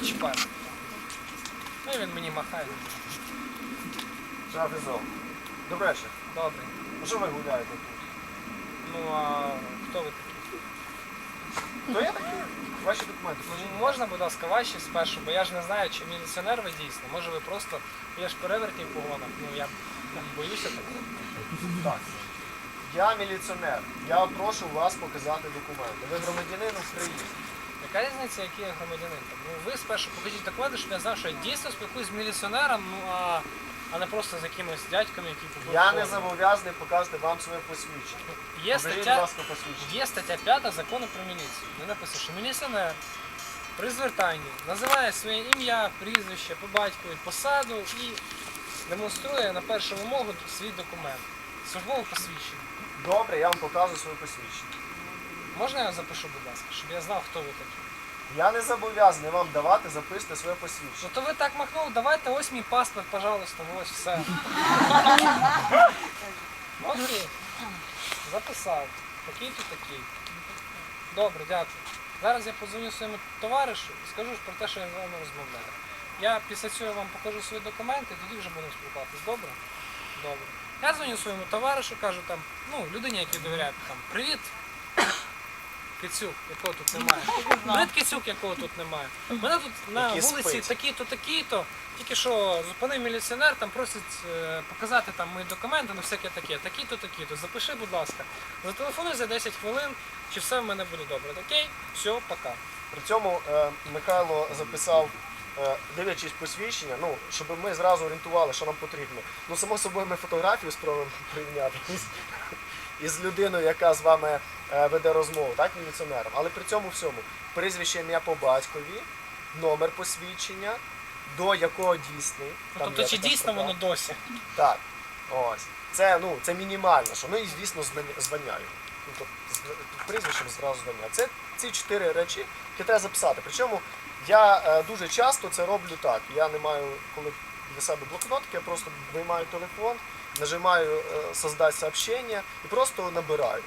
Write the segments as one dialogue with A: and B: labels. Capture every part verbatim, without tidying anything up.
A: чіпати. Ну і він мені махає.
B: Шафізов. Добре ще.
A: Добре.
B: Ну що ви гуляєте тут?
A: Ну а хто ви такі?
B: То я такий. Ваші документи.
A: Ну, можна, будь ласка, ваші спершу, бо я ж не знаю, чи міліціонер ви дійсно. Може ви просто, я ж перевертні в погонах, ну я боюся такого.
B: Так. Я міліціонер. Я прошу вас показати документи. Ви громадянин України.
A: Яка різниця, який я громадянин? Ну ви спершу покажіть документи, щоб я знав, що я дійсно спілкуюсь з міліціонером, ну а, а не просто з якимось дядьками, які купують.
B: Я не
A: форму.
B: зобов'язаний показати вам своє посвідчення.
A: Є
B: Покажіть, будь
A: стаття,
B: ласка, посвідчення.
A: є стаття п'ята закону про міліцію. Де написано, що міліціонер при звертанні називає своє ім'я, прізвище, по батькові, посаду і демонструє на першу вимогу свій документ. Службове посвідчення.
B: Добре, я вам показую своє посвідчення.
A: Можна я запишу, будь ласка, щоб я знав, хто ви такі?
B: Я не зобов'язаний вам давати записати своє посвідчення.
A: Ну то ви так махнули, давайте ось мій паспорт, пожалуйста, ось все. Окей. Записав. Такий-то такий. Добре, дякую. Зараз я подзвоню своєму товаришу і скажу про те, що я з вами розмовляю. Я після цього вам покажу свої документи, тоді вже будемо спілкуватися. Добре? Добре. Я дзвоню своєму товаришу, кажу там, ну, людині, якій довіряю, там, привіт, Кицюк, якого тут немає. Привіт, Кицюк, якого тут немає. Мене тут на
B: Який
A: вулиці
B: спить.
A: такі-то, такі-то, тільки що зупинив міліціонер, там просить е, показати там мої документи, ну всяке таке, такі-то, такі-то. Запиши, будь ласка. Зателефонуй за десять хвилин, чи все в мене буде добре. Окей? Все, пока.
B: При цьому е, Михайло записав, е, дивлячись посвідчення, ну, щоб ми зразу орієнтували, що нам потрібно. Ну, само собою, ми фотографію спробуємо прийняти із, із людиною, яка з вами е, веде розмову, так, міліціонером. Але при цьому всьому прізвище, ім'я по батькові, номер посвідчення, до якого дійсний.
A: Ну,
B: Там
A: тобто,
B: є
A: чи
B: така
A: дійсно
B: строка.
A: воно досі?
B: Так, ось. Це, ну, це мінімально, що, ну і звісно знання- звання. його. Ну, тобто, з- прізвищем зразу звання. Це ці чотири речі, які треба записати. Причому я е, дуже часто це роблю так. Я не маю, коли для себе блокнотки, я просто виймаю телефон, нажимаю е, «Создать сообщення» і просто набираю.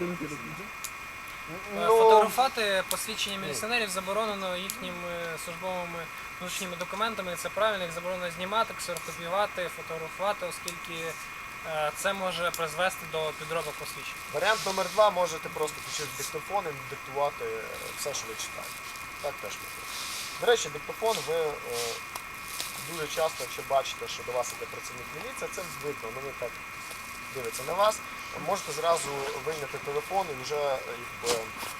A: Е, Фотографувати посвідчення міліціонерів заборонено їхніми службовими внутрішніми документами, і це правильно, їх заборонено знімати, ксерокопіювати, фотографувати, оскільки е, це може призвести до підробок посвідчень.
B: Варіант номер два, можете просто включити диктофон і диктувати е, все, що ви читаєте. Так теж можна. До речі, диктофон ви е, дуже часто, якщо бачите, що до вас іде працівник міліції, це видно, вони так дивляться на вас. Можете зразу вийняти телефон і вже е, якби,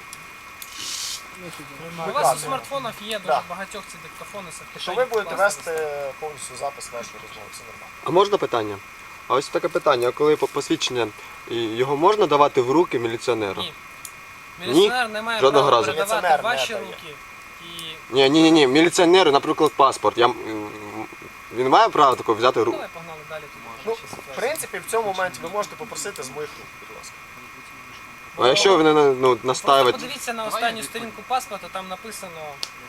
A: У вас у смартфонах є дуже
B: Да.
A: багатьох ці диктофони,
B: що ви будете вести повністю запис вашої розмови, все нормально.
C: А можна питання? А ось таке питання, а коли по- посвідчення, і його можна давати в руки міліціонеру?
A: Ні. Міліціонер не має
C: Жодного
A: права
C: разу.
A: передавати
B: Міліціонер
A: в ваші
B: не дає.
A: руки. І
C: Ні, ні, ні, ні, міліціонеру, наприклад, паспорт. Я, м, він має право такого взяти в руку?
A: давай погнали далі, тут
B: Ну,
A: може ще
B: в
A: ситуація.
B: принципі, в цьому моменті ви можете попросити з моїх рук, будь ласка.
C: А якщо він ну,
A: Просто
C: настаивает?
A: подивіться на останню сторінку паспорта, там написано...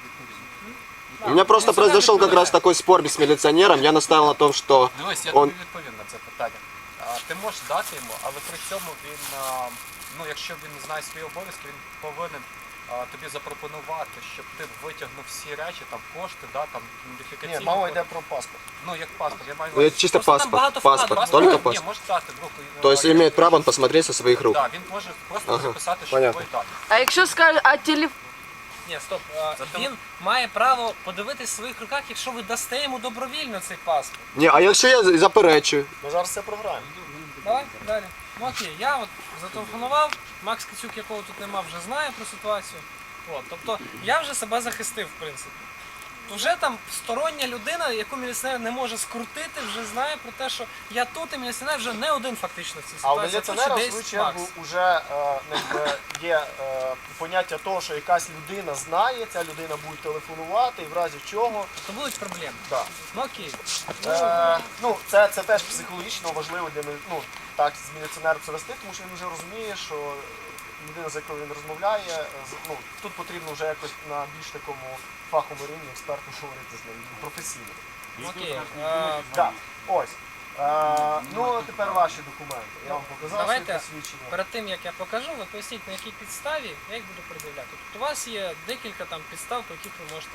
C: У меня просто произошел как раз такой спор с милиционером. Я настаивал на том, что
D: Дивись, я
C: он...
D: тобі відповім на це питання. А, ти можеш дати йому, але при цьому він, а, ну якщо він знає свої обов'язки, він повинен а, тобі запропонувати, щоб ти витягнув всі речі, там кошти, да, там ідентифікаційні.
B: Ні, мова
D: коди.
B: йде про паспорт.
D: Ну як паспорт, я маю
C: Ну, это чисто
A: Просто там
C: паспорт.
A: багато
C: Паспорт,
A: вкладок.
C: только
D: Ні,
C: паспорт.
D: може дати в руку.
C: То есть имеет право он посмотреть со своих рук.
D: Так, він може просто
C: Ага,
D: записати, що
C: понятно.
D: твої дані.
E: А якщо скаже, а телефон?
A: Ні, стоп. а,
D: Зато-
A: Він має право подивитись в своїх руках, якщо ви дасте йому добровільно цей паспорт.
C: Ні, а якщо я заперечую?
B: Ми зараз це програємо.
A: Давай, далі. Ну окей, я от зателефонував, Макс Кицюк, якого тут нема, вже знає про ситуацію. От, тобто я вже себе захистив, в принципі. Вже там стороння людина, яку міліціонер не може скрутити, вже знає про те, що я тут, і міліціонер вже не один фактично в цій
B: А у
A: ситуації.
B: міліціонера, в
A: тут ще
B: свою
A: десь
B: чергу,
A: Макс.
B: вже е, якби, є е, поняття того, що якась людина знає, ця людина буде телефонувати, і в разі чого.
A: То будуть проблеми.
B: Да.
A: Ну окей.
B: Е, ну, це, це теж психологічно важливо для мілі- ну, так, з міліціонером це вести, тому що він вже розуміє, що людина, з якою він розмовляє, з- ну, тут потрібно вже якось на більш такому фаховому рівні експертно говорити з ним, професійно.
A: Окей. А,
B: Так, ось. Е, ну, а тепер ваші документи. Я вам показав
A: Давайте
B: свої посвідчення.
A: перед тим, як я покажу, ви поясніть, на якій підставі я їх буду пред'являти. Тобто у вас є декілька там підстав, по яких ви можете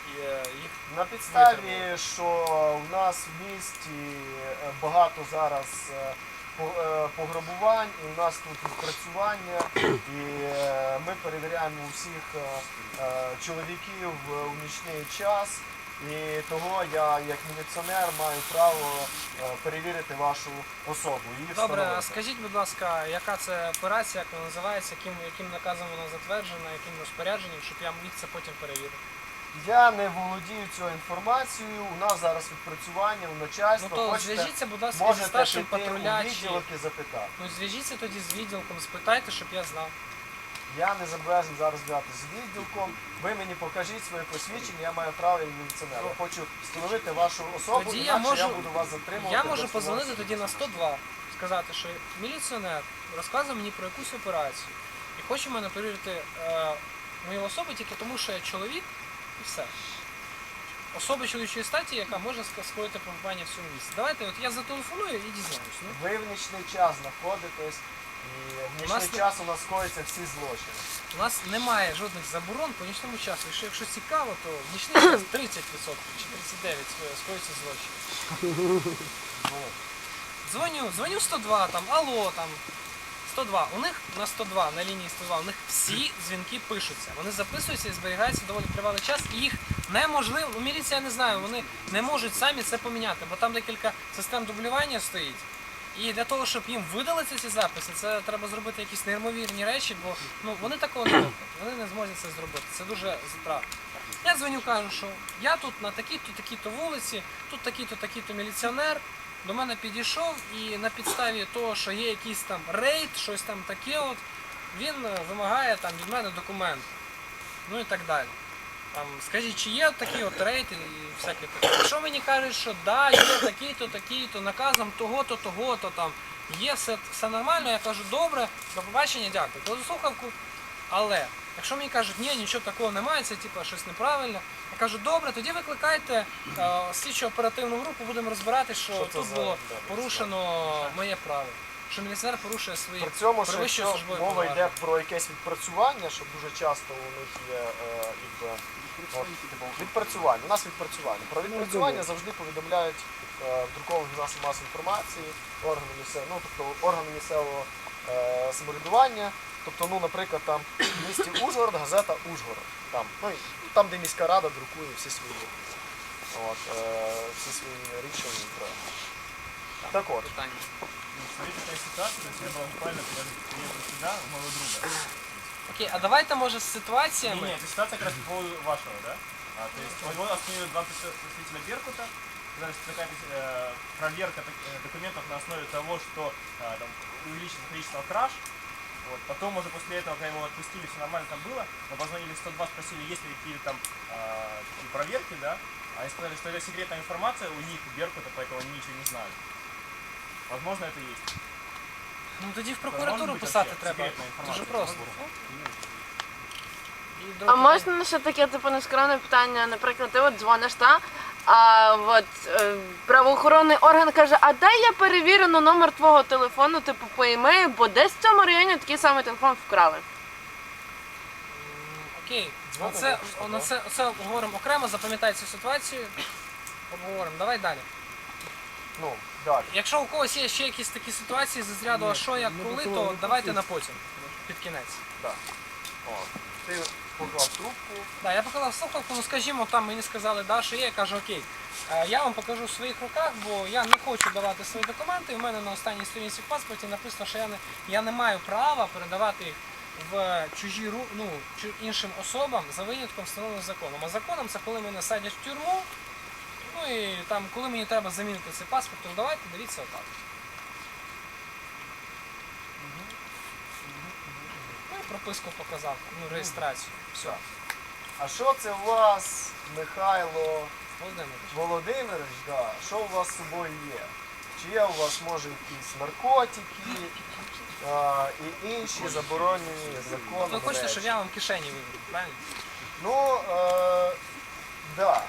A: е, їх
B: На підставі,
A: Витримали.
B: що у нас в місті е, багато зараз е, по- е, пограбувань, і у нас тут відпрацювання, і е, ми перевіряємо усіх е, е, чоловіків у нічний час. І того я, як міліціонер, маю право е, перевірити вашу особу. Її
A: Добре, а
B: встановити.
A: скажіть, будь ласка, яка це операція, як вона називається, яким, яким наказом вона затверджена, яким розпорядженням, щоб я міг це потім перевірити?
B: Я не володію цією інформацією. У нас зараз відпрацювання, у
A: Ну
B: начальства.
A: то
B: Хочете,
A: зв'яжіться, будь ласка, зі
B: можете
A: старшим
B: піти у
A: патруля чи...
B: відділок і запитати.
A: Ну зв'яжіться тоді з відділком, спитайте, щоб я знав.
B: Я не зобов'язаний зараз взяти з відділком. Ви мені покажіть своє посвідчення, я маю право як міліціонер. Я хочу встановити вашу особу,
A: Тоді я
B: інакше я,
A: можу-
B: буду вас затримувати.
A: Я можу
B: без
A: позвонити
B: фінансів.
A: тоді на сто два, сказати, що міліціонер розказує мені про якусь операцію і хоче мене перевірити е, мою особу тільки тому, що я чоловік і все. Особа чоловічої статі, яка може ска- скоїти пограбування в цьому місці. Давайте, от я зателефоную і дізнаюсь. Ну.
B: Ви в нічний час знаходитесь, і в нічний
A: нас не-
B: час у нас скоїться всі злочини.
A: У нас немає жодних заборон по нічному часу. Якщо, якщо цікаво, то в нічний час тридцять відсотків чи тридцять дев'ять відсотків скоїться злочин.
B: Ну,
A: Дзвоню, дзвоню сто два, там, алло, там, сто два. У них на сто два, на лінії сто два, у них всі дзвінки пишуться. Вони записуються і зберігаються доволі тривалий час, і їх неможливо, ну міліція не знаю, вони не можуть самі це поміняти, бо там декілька систем дублювання стоїть. І для того, щоб їм видалити ці записи, це треба зробити якісь неймовірні речі, бо ну, вони такого не роблять, вони не зможуть це зробити. Це дуже затратно. Я дзвоню, кажу, що я тут на такій-то, такій-то вулиці, тут такий-то, такий-то міліціонер, до мене підійшов і на підставі того, що є якийсь там рейд, щось там таке, от, він е, вимагає там від мене документи. Ну і так далі. Там, скажіть, чи є такий от рейд і всяке таке. Якщо мені кажуть, що да, є такий-то, такий-то, наказом того-то, того-то, там, є все, все нормально, я кажу, добре, до побачення, дякую. Кладу слухавку, але якщо мені кажуть, ні, нічого такого немає, це типу, щось неправильно, я кажу, добре, тоді викликайте е, слідчо оперативну групу, будемо розбиратися, що,
B: Що це
A: тут
B: за-
A: було
B: да,
A: порушено моє право. Що міліціонер порушує свої
B: При цьому, що
A: перевищує
B: якщо
A: службові
B: мова йде
A: повноваження.
B: про якесь відпрацювання, що дуже часто у них є е, якби, от, відпрацювання. У нас відпрацювання. Про відпрацювання завжди повідомляють е, в друкованих засобах масової інформації, органи місцевого, ну, тобто органи місцевого е, самоврядування. Тобто, ну, наприклад, там в місті Ужгород, газета Ужгород. Там, ну, і там, де міська рада друкує всі свої, от, е, всі свої рішення. і проекти. Так от.
A: Питання.
E: Смотрите, такая ситуация, то есть я был буквально приехал сюда, у моего друга.
A: Окей, а давайте, може, з
E: Не,
A: ситуаціями.
E: не, это ситуация как раз по поводу вашего, да? А, то есть у него остановили два представителя Беркута, сказали, что какая-то э, проверка так- э, документов на основе того, что э, там, увеличится количество краж. Вот. Потом уже после этого, когда его отпустили, все нормально там было, мы позвонили в сто два, спросили, есть ли какие-то там э, такие проверки, да? А они сказали, что это секретная информация у них, у Беркута, поэтому они ничего не знают. Возможно, это есть.
A: Ну тоді в
E: Може
A: прокуратуру
E: бути
A: писати
E: вообще
A: треба.
E: секретна інформація?
A: Дуже просто. І
F: А
A: друге
F: можна ще таке типу нескромне питання? Наприклад, ти от дзвониш, та? А от е, правоохоронний орган каже, а дай я перевірю на номер твого телефону, типу по імею, бо десь в цьому районі такий самий телефон вкрали.
A: М, Окей,
B: Дзвонимо,
A: оце,
B: що,
A: на
B: да?
A: це, це обговоримо окремо, запам'ятай цю ситуацію. Обговоримо. Давай далі.
B: Ну, далі.
A: Якщо у когось є ще якісь такі ситуації з розряду, а що, як, коли, то давайте на потім, під кінець.
B: О, ти поклав трубку.
A: Да, я поклав слухавку, ну скажімо, там мені сказали, да, що є, я кажу, окей, е, я вам покажу в своїх руках, бо я не хочу давати свої документи. У мене на останній сторінці в паспорті написано, що я не, я не маю права передавати їх в чужі ру, ну, чу- іншим особам за винятком встановленим законом. А законом це коли мене садять в тюрму, ну і там, коли мені треба замінити цей паспорт, то давайте, дивіться отак. Ну і прописку показав, ну реєстрацію. Все.
B: А що це у вас, Михайло
A: Володимир.
B: Володимирович, да, що у вас з собою є? Чи є у вас, може, якісь наркотики а, і інші заборонені законом
A: Ви хочете,
B: речі?
A: щоб я вам кишені вибрав, правильно?
B: Ну, е, да.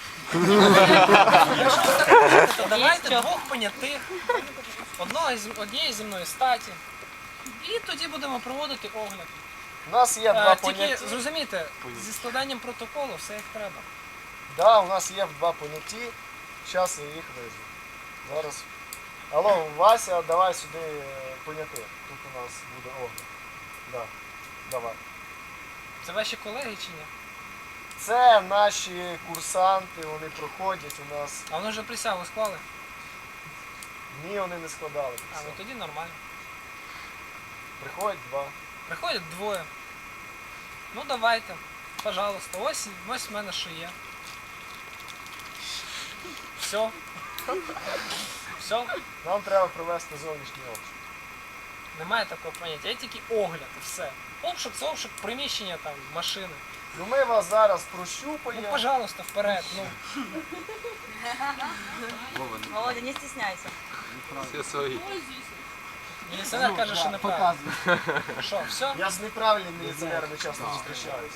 A: Якщо ви так хочете, то давайте двох понятих, одного із, однієї зі мною статі. І тоді будемо проводити огляд.
B: У нас є
A: Е,
B: два
A: Тільки
B: поняття.
A: зрозумійте, зі складанням протоколу все як треба.
B: Да, у нас є два поняті. Зараз я їх визву. Зараз. Алло, Вася, давай сюди е, поняти. Тут у нас буде огляд. Да. Давай.
A: Це ваші колеги чи ні?
B: Це наші курсанти, вони проходять у нас.
A: А вони вже присягу склали?
B: Ні, вони не складали.
A: А, ну тоді нормально.
B: Приходять два.
A: Приходять двоє. Ну давайте, пожалуйста, ось, ось в мене що є. Все. Все.
B: Нам треба провести зовнішній обшук.
A: Немає такого поняття. Є тільки огляд і все. Обшук це обшук приміщення там, машини.
B: Ну ми вас зараз
A: Ну,
B: прощупаємо.
A: пожалуйста, вперед. Ну,
G: Володя, не стесняйся.
C: Всі свої.
A: міліціонер каже, що неправильно. Що, все?
B: Я з неправильними міліціонерами часто зустрічаюся.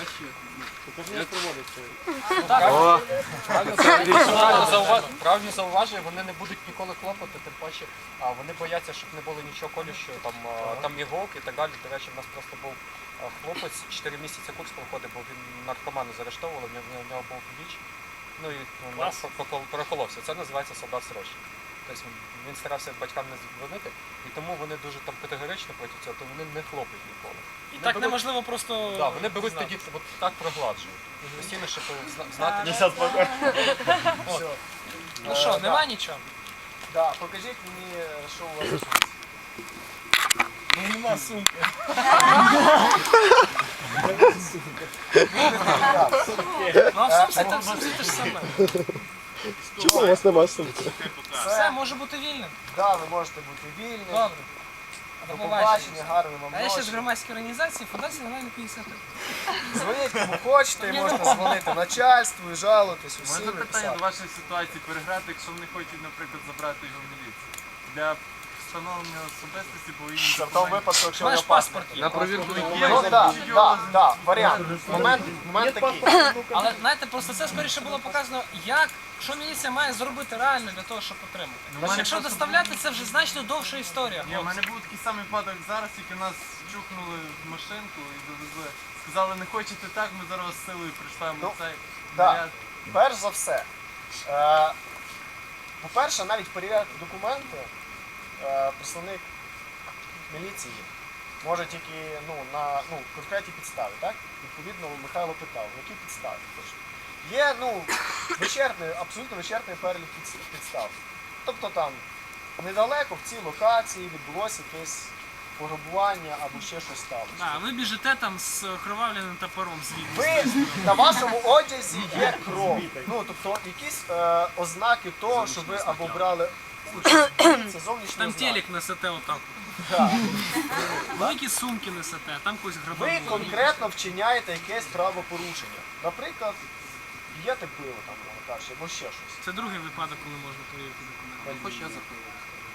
C: О,
D: Правильно зауваж- Правильно зауважує, вони не будуть ніколи клопоти, тим паче а, вони бояться, щоб не було нічого колющого, там, а, там іголки і так далі. До речі, в нас просто був а, хлопець, чотири місяці курс проходив, бо він наркоману заарештовували, в нього, в нього був біч, ну і ну,
A: Клас.
D: прокол- проколовся. Це називається солдат срочник. Тобто він, він старався батькам не дзвонити, і тому вони дуже там категорично проти цього, то вони не хлопають ніколи.
A: І
D: Вони
A: так
D: беруть-
A: неможливо просто.
D: Да, вони беруть
A: знати.
D: тоді от так прогладжують. Постійно, щоб зна- знати,
E: Не сейчас пока.
B: Все.
A: Ну що, нема нічого?
B: Да, покажіть мені, що у вас тут.
A: Ну нема сумки. Ну а в сумці там все те ж саме.
C: чому у вас немає сумки?
A: Все
B: Це,
A: може бути вільним.
B: да, ви можете бути вільні.
A: Добре.
B: До
A: До
B: побачення,
A: побачення.
B: гарної вам
A: А я ще з
B: ночі.
A: громадської організації Фундації Нормальна п'ятдесят.
B: Дзвоніть кому хочете, можете дзвонити начальству і жалуватись
H: У
B: усім.
H: мене
B: і
H: питання
B: писати.
H: до вашої ситуації переграти, якщо вони хочуть, наприклад, забрати його в міліцію. Для встановлення особистості повинні
B: Це в тому випадку, якщо
A: Маєш
B: його паспорт.
A: паспорт є.
C: На провірку
B: Ну так, так, так, варіант. Момент, момент такий.
A: Але знаєте, просто це скоріше було показано, як, що міліція має зробити реально для того, щоб отримати.
H: мене
A: Якщо
H: просто
A: доставляти, це вже значно довша історія.
H: Ні, у мене був такий самий випадок зараз, тільки нас чухнули в машинку і довезли. Сказали, не хочете так, ми зараз з силою прийшли
B: Ну,
H: цей
B: да.
H: наряд.
B: Перш за все, е, по-перше, навіть перевіряти документи е, представник міліції може тільки ну, на ну, конкретній підставі. Так? Відповідно, Михайло питав, на якій підставі. Тож, є ну, вичерпний, абсолютно вичерпний перелік підс- підстав. Тобто там недалеко в цій локації відбулося якесь пограбування або ще щось сталося.
A: А ви біжите там з кровавленим топором звідти.
B: Ви на вашому одязі є кров. Ну тобто якісь е, ознаки того, що ви або брали участь. Це зовнішні
A: Там
B: ознаки.
A: телек несете отак.
B: Да.
A: Великі сумки несете, там когось
B: Ви
A: грабують.
B: конкретно вчиняєте якесь правопорушення. Наприклад, б'єте пиво там, мовно кажучи, або ще щось.
A: Це другий випадок, коли можна перевірити документи.
D: хоч я запив.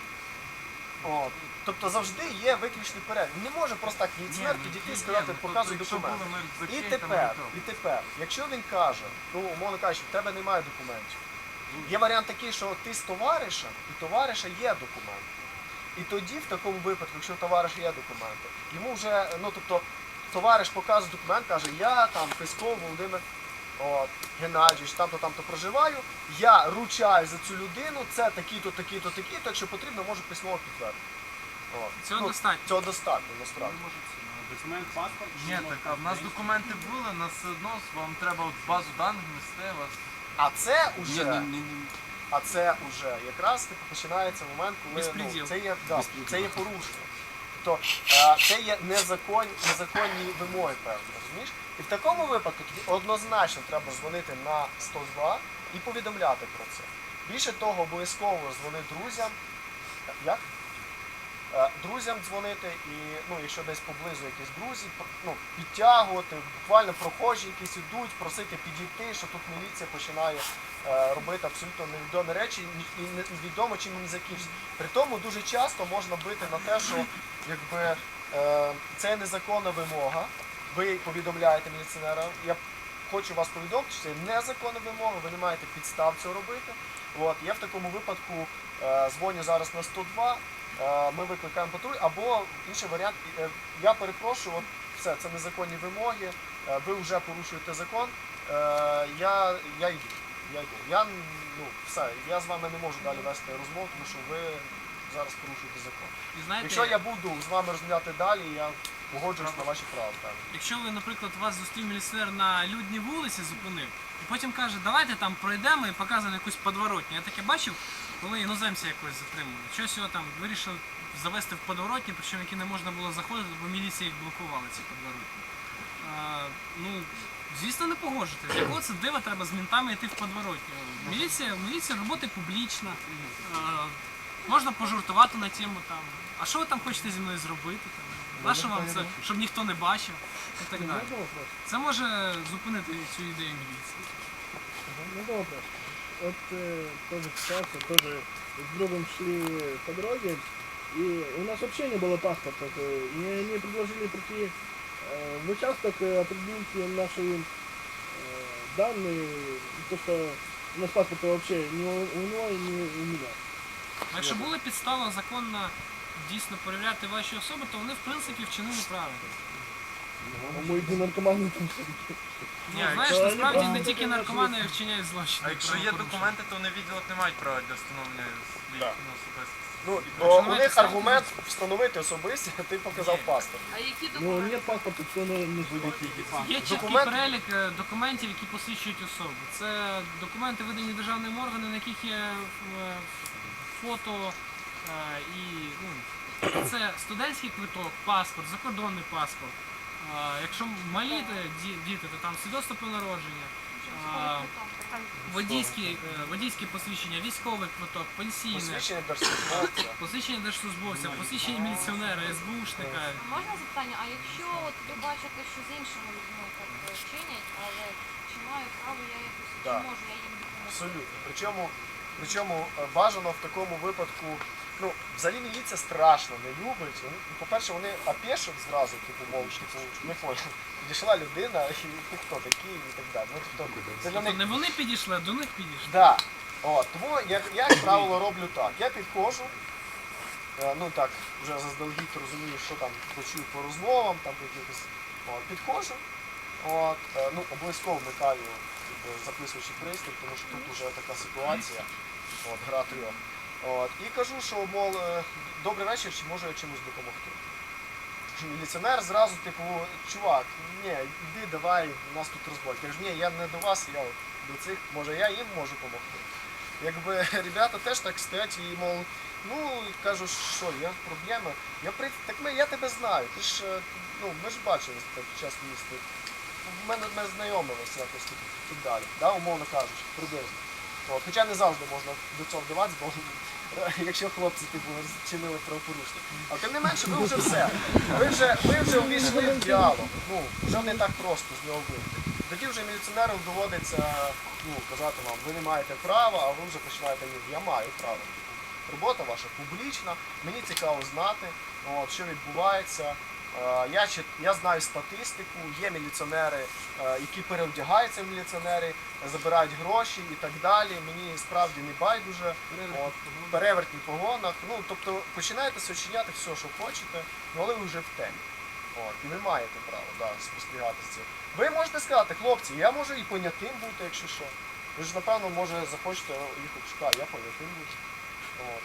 B: От. Тобто завжди є виключний перелік. Не може просто так міліціонер підійти і сказати, показуй документи. І тепер, і тепер, якщо він каже, ну, умовно кажучи, в тебе немає документів. Є варіант такий, що ти з товаришем, і у товариша є документи. І тоді, в такому випадку, якщо у товариша є документи, йому вже, ну тобто, товариш показує документ, каже, я там Песков Володимир от, Геннадійович, там-то, там-то проживаю, я ручаю за цю людину, це такі-то, такі-то, такі-то, якщо потрібно, можу письмово підтвердити. От.
A: Цього
B: Ну,
A: достатньо.
B: Цього достатньо, насправді.
E: Документ, паспорт.
H: Ні, так, а в нас документи були, нас все одно вам треба от базу даних внести вас.
B: А це
D: Ні,
B: уже,
D: ні, ні, ні.
B: а це уже якраз типу, починається момент, коли ну,
A: Безпреділ.
B: це є, да, це є порушення. Тобто е, це є незакон, незаконні вимоги, певні, розумієш? І в такому випадку тобі однозначно треба дзвонити на сто два і повідомляти про це. Більше того, обов'язково дзвони друзям. Як? Е, Друзям дзвонити і, ну, якщо десь поблизу якісь друзі, ну, підтягувати, буквально прохожі якісь ідуть, просити підійти, що тут міліція починає е, робити абсолютно невідомі речі і невідомо чим вони закінчаться. При тому дуже часто можна бити на те, що якби, е, це незаконна вимога, ви повідомляєте міліціонера, я хочу вас повідомити, що це незаконна вимога, ви не маєте підстав цього робити. От, я в такому випадку е, дзвоню зараз на сто два, е, ми викликаємо патруль, або інший варіант, е, я перепрошую, от все, це незаконні вимоги, е, ви вже порушуєте закон, Е, я, я йду. Я йду. Я, ну, все, я з вами не можу далі вести розмову, тому що ви зараз порушуєте закон.
A: І знаєте,
B: Якщо я буду з вами розмовляти далі, я погоджуюсь на ваші права. Так.
A: якщо ви, наприклад, вас зустрів міліціонер на людній вулиці, зупинив, і потім каже, давайте там пройдемо і показує якусь подворотню. Я таке бачив, коли іноземці якось затримували. Щось його там вирішили завести в подворотні, причому які не можна було заходити, бо міліція їх блокувала, ці подворотні. А, ну, звісно, не погоджуйтесь. З якого це дива треба з мінтами йти в подворотню? Міліція, міліція робота публічна. А, можна пожартувати на тему там. А що ви там хочете зі мною зробити? Там? Нащо вам це, щоб ніхто не бачив і так далі. Це може зупинити цю ідею міліції.
I: Ну добре. Вот э, тоже ситуация, тоже с другом шли по дороге, и у нас вообще не было паспорта. э, И они предложили прийти э, в участок и определить наши э, данные, то что у нас паспорта вообще ни у, у него, ни у меня.
A: Якщо була підстава законно дійсно перевіряти ваші особи, то вони в принципі вчинили правильно.
I: А мы не наркоманы там все-таки.
A: Ну, знаєш,
I: Та
A: насправді
I: ні,
A: не
I: та
A: тільки
I: ні,
A: наркомани вчиняють злочини.
H: А якщо є документи, то вони відділок не мають права для встановлення своїх
B: Так.
H: ну, особистостей.
B: Ну,
A: Якщо
B: бо у
A: маєте
B: них
A: ставити-
B: аргумент встановити особисті, а ти показав
A: Ні.
B: паспорт.
F: А які
I: Ну
F: документи?
I: нет паспорта, то не, не
A: Є чіткий
B: Документ-
A: перелік е, документів, які посвідчують особу. Це документи, видані державним органом, на яких є е, фото е, і ну, це студентський квиток, паспорт, закордонний паспорт. Е, Якщо малі е, ді- діти, то там свідоцтво про народження. е, Водійські, е, водійські посвідчення, військовий квиток, пенсійне,
B: Посвідчення держслужбовця.
A: посвідчення держслужбовця, посвідчення міліціонера, СБУшника.
J: Можна запитання, а якщо от ви бачите, що з іншими людьми так е, чинять, але чи маю право я якось,
B: Да.
J: чи можу я їм допомогти?
B: Абсолютно. Причому, причому е, бажано в такому випадку, ну, взагалі міліція страшно не любить. Вони- ну, По-перше, вони опешать зразу, типу, мов, типу, не понял. Підійшла людина, і ти хто такий і так далі. Ну, тобто, це для
A: Тобто
B: них
A: не вони підійшли, а до них підійшли.
B: Да. От, тому як, я, як правило, роблю так. Я підходжу, е, ну так, вже заздалегідь розумію, що там почую по розмовам, там якихось. От, підходжу, от, е, ну, обов'язково вмикаю якби, записуючий пристрій, тому що тут вже така ситуація, от, гра трьох. От, і кажу, що, мов, е, добрий вечір, чи можу я чимось допомогти. Міліціонер зразу, типу, чувак, ні, йди, давай, у нас тут розбой. Я кажу, ні, я не до вас, я от до цих, може я їм можу допомогти. Якби ребята теж так стоять і, мов, ну, кажу, що, є проблеми. Я при... Так ми, я тебе знаю, ти ж, е, ну, ми ж бачились так під час міста. В мене ми знайомилися якось тут і так далі, да, умовно кажучи, приблизно. От, хоча не завжди можна до цього вдаватися, бо якщо хлопці типу чинили правопорушення. А тим не менше, ви вже все. Ви вже, ви вже увійшли в діалог. Ну, вже не так просто з нього вийти. Тоді вже міліціонерам доводиться ну, казати вам, ви не маєте права, а ви вже починаєте ні, я маю право. Робота ваша публічна, мені цікаво знати, от, що відбувається. Е, Я, чит- я знаю статистику, є міліціонери, е, які переодягаються в міліціонери, забирають гроші і так далі. Мені справді не байдуже. От, перевертні погонах. Ну, тобто починаєте сочиняти все, що хочете, ну, але ви вже в темі. От, і ви маєте право да, спостерігати з цим. Ви можете сказати, хлопці, я можу і понятим бути, якщо що. Ви ж, напевно, може захочете їх обшукати, я понятим буду. От.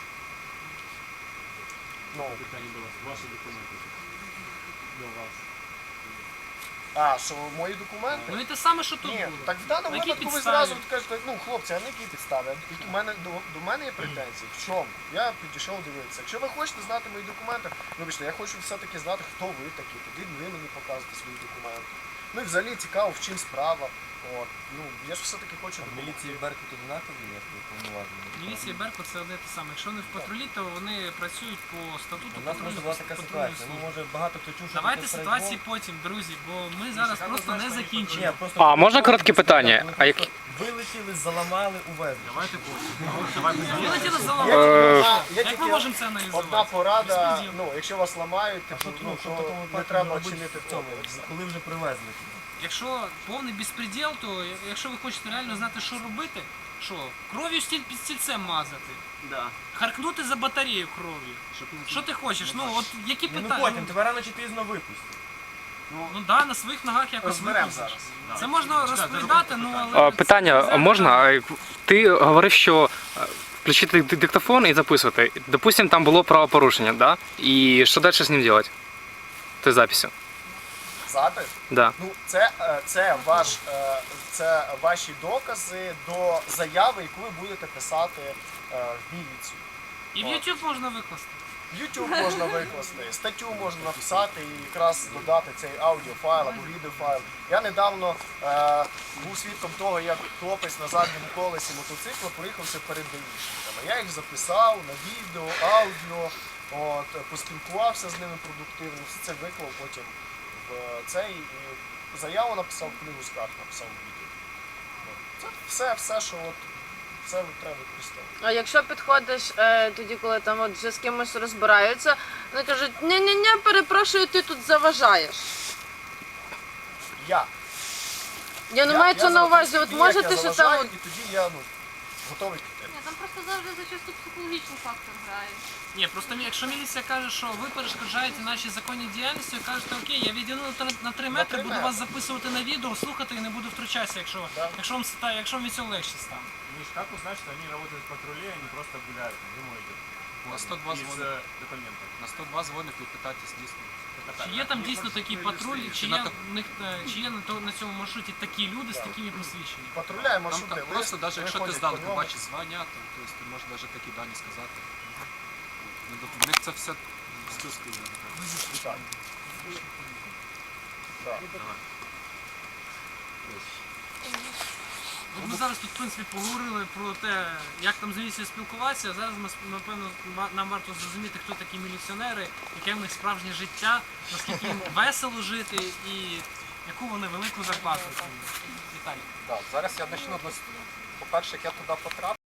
B: Ну,
E: Питання до вас. Ваші документи. До вас.
B: а, що мої документи?
A: Ну і те саме, що тут
B: Ні,
A: було.
B: так в даному
A: На якій
B: випадку ви
A: підставі?
B: зразу кажете, ну хлопці, а на якій підставі? Які в мене, до, до мене є претензії? В чому? Я підійшов дивитися. Якщо ви хочете знати мої документи, вибачте, я хочу все-таки знати, хто ви такі, тоді ви мені показуєте свої документи. Ну і взагалі цікаво, в чим справа. От. Ну, я ж все-таки хочу.
C: Міліції Беркут однакові, як повноважені.
A: Міліція і Беркут це одне те саме. Якщо вони в патрулі, то вони працюють по статуту.
K: У нас
A: патрульної-
K: просто була така
A: патрульної
K: ситуація. Ну,
A: служби.
K: може, багато хто чув, що
A: Давайте
K: таке
A: ситуації
K: страйкбол.
A: потім, друзі, бо ми зараз просто не
K: Ні,
A: закінчимо.
K: просто
D: А, можна коротке питання?
K: Вони
D: А як-
K: просто вилетіли, заламали, увезли.
E: Давайте потім.
A: Вилетіли за
B: Є
A: лаву.
B: тільки- є
A: Як ми
B: тільки
A: можемо це аналізувати?
B: Одна порада,
A: Безпреділ.
B: ну, якщо вас ламають,
K: А
B: типу,
K: що,
B: ну,
K: ну, що в
B: то
K: такому
B: не
K: випадку
B: треба
K: робити
B: чинити
K: в цьому,
B: опір.
K: коли вже привезли?
A: Якщо повний безпреділ, то якщо ви хочете реально знати, що робити, що кров'ю стіль під стільцем мазати,
E: Да.
A: харкнути за батарею кров'ю. Що ти хочеш? Ну от які
K: Ну, ну
A: питання?
K: потім, тебе рано чи пізно випустять.
A: Ну да, на своїх ногах якось
B: Розберемо
A: викрутиш.
B: зараз.
A: Це можна розповідати, ну але...
L: А, питання, а можна? А, Ти говорив, що е, включити ди- диктофон і записувати. Допустим, там було правопорушення, да? І що далі з ним робити? Ти записю.
B: Запис?
L: Да.
B: Ну, це, е, це, ваш, е, це ваші докази до заяви, яку ви будете писати е, в міліцію.
A: І в YouTube можна викласти.
B: В YouTube можна викласти, статтю можна написати і якраз додати цей аудіофайл або відеофайл. Я недавно е, був свідком того, як хлопець на задньому колесі мотоцикла проїхався перед даїшниками. Я їх записав на відео, аудіо, от, поспілкувався з ними продуктивно, все це виклав потім в цей і заяву написав, книгу скарг написав в відео. От. Це все, все, що от, це треба використовувати.
F: А якщо підходиш е, тоді, коли там от вже з кимось розбираються, вони кажуть, ні-ні-ні, перепрошую, ти тут заважаєш.
B: Я.
F: Я не маю це на увазі, от
B: Як
F: можете
B: я
F: що там
B: заважаю,
F: от
B: і тоді я ну, готовий піти.
J: Ні, там просто завжди зачасту психологічний фактор грає.
A: Ні, просто мі- якщо міліція каже, що ви перешкоджаєте нашій законній діяльності, ви кажете, окей, я відійду на три- на три метри,
B: три
A: буду
B: метри.
A: вас записувати на відео, слухати і не буду втручатися, якщо,
B: Да.
A: якщо, вам, ста- якщо вам від цього легше стане.
E: Миш, как узнать, что они работают в патруле, а не просто гуляют, там, зимой идет?
D: На сто два
E: Без
D: звонок.
E: э, документов.
D: На сто два дзвоник і питайтесь дійсно.
E: Это
A: Чи
E: так,
A: є
E: да?
A: там дійсно такий патруль, чи
D: на
A: є,
D: так-
A: в них, е, чи є на, то- на цьому маршруті такі люди з такими посвідченнями?
B: Патруляє
D: Там
B: маршрути.
D: так
B: лист,
D: просто, навіть якщо ти
B: виходять
D: здалеку
B: по ньому.
D: бачиш звання, то тобто, ти можеш навіть такі дані сказати. Ну, тобто, в них це все стюскає.
B: Так. Да.
A: От ми зараз тут, в принципі, поговорили про те, як там з міліцією спілкуватися. Зараз ми, напевно, ма- нам варто зрозуміти, хто такі міліціонери, яке в них справжнє життя, наскільки їм весело жити і яку вони велику зарплату отримують. Віталій.
D: Так, зараз я почну. По-перше, як я туди потрапив.